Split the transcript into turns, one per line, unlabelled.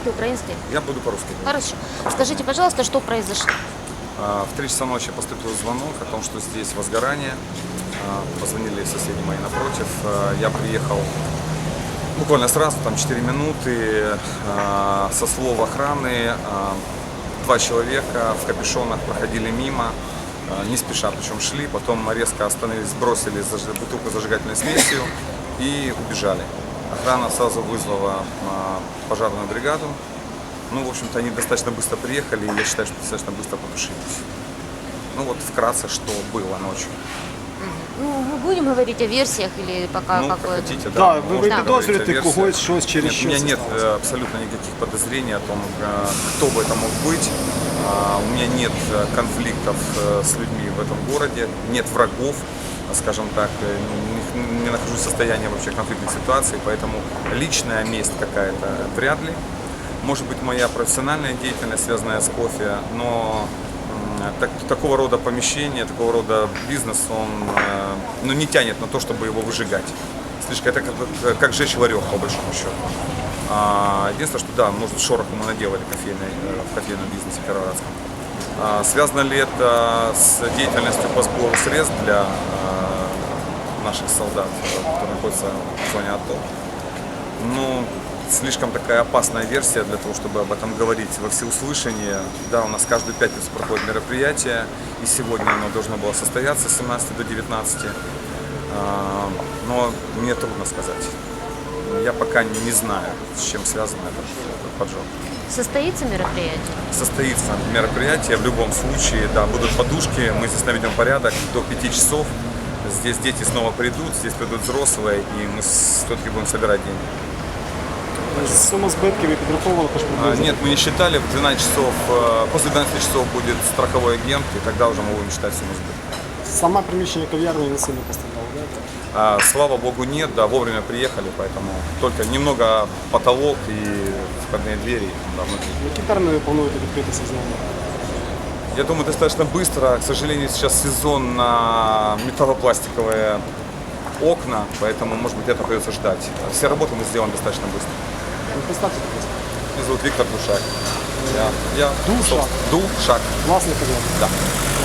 по-русски, украинский?
Я буду по-русски говорить.
Хорошо. Скажите, пожалуйста, что произошло?
В 3 часа ночи поступил звонок о том, что здесь возгорание. Позвонили соседи мои напротив. Я приехал буквально сразу, там 4 минуты. Со слов охраны 2 человека в капюшонах проходили мимо, не спеша, причем шли, потом резко остановились, бросили бутылку с зажигательной смесью и убежали. Охрана сразу вызвала пожарную бригаду. Ну, в общем-то, они достаточно быстро приехали, и я считаю, что достаточно быстро потушились. Ну, вот вкратце, что было ночью.
Ну, мы будем говорить о версиях или пока
Ну, как
какое-то?
хотите,
Да,
да.
ви
можно говорить о
підозрюєте
версиях.
когось, щось через
Нет, у
що
меня
це
нет
сталося?
абсолютно никаких подозрений о том, кто бы это мог быть. У меня нет конфликтов с людьми в этом городе, нет врагов, скажем так, не нахожусь в состоянии вообще конфликтной ситуации, поэтому личная месть какая-то вряд ли. Может быть, моя профессиональная деятельность, связанная с кофе, но такого рода помещение, такого рода бизнес, он не тянет на то, чтобы его выжигать. Слишком это как жечь ларек, по большому счету. Единственное, что да, может, шороху мы наделали в кофейном бизнесе кировоградском. Связано ли это с деятельностью по сбору средств для наших солдат, которые находятся в зоне АТО? Ну, слишком такая опасная версия для того, чтобы об этом говорить во всеуслышание. Да, у нас каждую пятницу проходит мероприятие, и сегодня оно должно было состояться с 17 до 19. Но мне трудно сказать. Я пока не знаю, с чем связан этот поджог.
Состоится мероприятие?
Состоится мероприятие в любом случае, да, будут подушки, мы здесь наведем порядок до 5 часов. Здесь дети снова придут, здесь придут взрослые, и мы все-таки будем собирать деньги.
Сума збитків ви підраховували, хоч приблизно?
Нет, мы не считали, в 12 часов, после 12 часов будет страховой агент, и тогда уже мы будем считать сумму сбытка.
Саме приміщення кав'ярні не сильно постраждало, да?
Слава богу, нет, да, вовремя приехали, поэтому только немного потолок и входные двери да, внутри.
Які терміни плануєте відкритися знову?
Я думаю, достаточно быстро. К сожалению, сейчас сезон на металлопластиковые окна, поэтому, может быть, это придется ждать. Все работы мы сделаем достаточно быстро.
Ну, представте, будь ласка.
Меня зовут Виктор Душак. Я
Душак?
Душак.
Власник кав'ярні.
Да.